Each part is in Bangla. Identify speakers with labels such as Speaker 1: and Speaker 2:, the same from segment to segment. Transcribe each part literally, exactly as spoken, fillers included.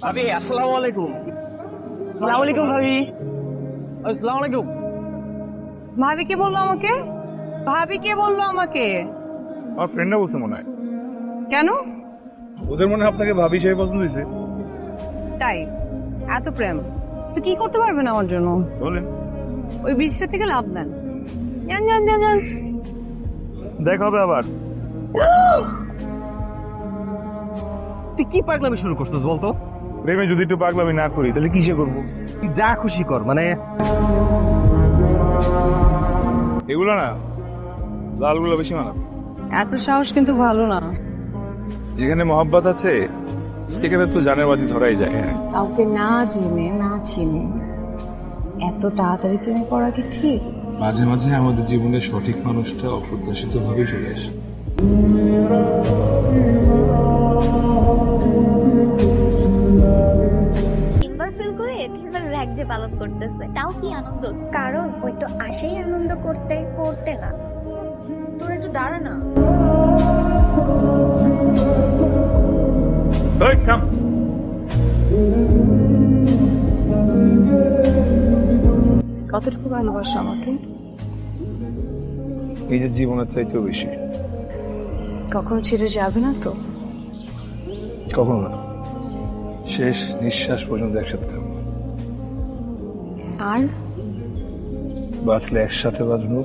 Speaker 1: ভাবি আসসালামু আলাইকুম।
Speaker 2: আসসালামু আলাইকুম ভাবি।
Speaker 1: আসসালামু আলাইকুম।
Speaker 2: ভাবি কে বললো আমাকে? ভাবি কে বললো আমাকে?
Speaker 3: আমার ফ্রেন্ডরা বলছে মনে হয়,
Speaker 2: কেন?
Speaker 3: ওদের মনে হয় আপনাকে ভাবি হিসেবে পছন্দ হয়েছে।
Speaker 2: তাই এত প্রেম তো কি করতে পারবেন আমার জন্য?
Speaker 3: বলেন,
Speaker 2: ওই বৃষ্টি থেকে লাভ নেন। যান যান যান যান।
Speaker 3: দেখা হবে আবার।
Speaker 1: তুই কি পাগলামি শুরু করছিস বলতো?
Speaker 3: প্রেমে যদি একটু পাগলামি না করি তাহলে কিসে করবো?
Speaker 1: তুই যা খুশি কর, মানে
Speaker 3: এগুলো না, লালগুলো বেশি মানাবে।
Speaker 2: এত সাহস কিন্তু ভালো না।
Speaker 3: যেখানে মহাব্বত আছে সেখানে তো জানের বাতি ধরাই যায়।
Speaker 2: কাউকে না জেনে না চিনে এত তাড়াতাড়ি প্রেম করা কি ঠিক?
Speaker 4: মাঝে মাঝে আমাদের জীবনের সঠিক মানুষটা অপ্রত্যাশিত ভাবেই চলে আসে।
Speaker 5: তিনবার ফেল করে তিনবার র্যাক ডে পালন করতেছে, তাও কি আনন্দ? কারণ ওই তো আসেই আনন্দ করতে, পড়তে না।
Speaker 2: তোর একটু দাঁড়া না।
Speaker 3: এই, থাম।
Speaker 2: কতটুকু ভালোবাসো আমাকে?
Speaker 3: নিজের জীবনের চাইতেও বেশি।
Speaker 2: কখনো ছেড়ে যাবে না তো?
Speaker 3: কখনো না, শেষ নিঃশ্বাস পর্যন্ত একসাথে থাকবো।
Speaker 2: আর
Speaker 3: বাঁচলে একসাথে বাঁচবো,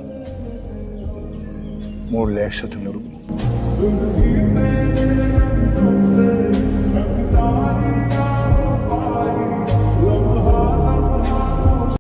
Speaker 3: মরলে একসাথে মরবো।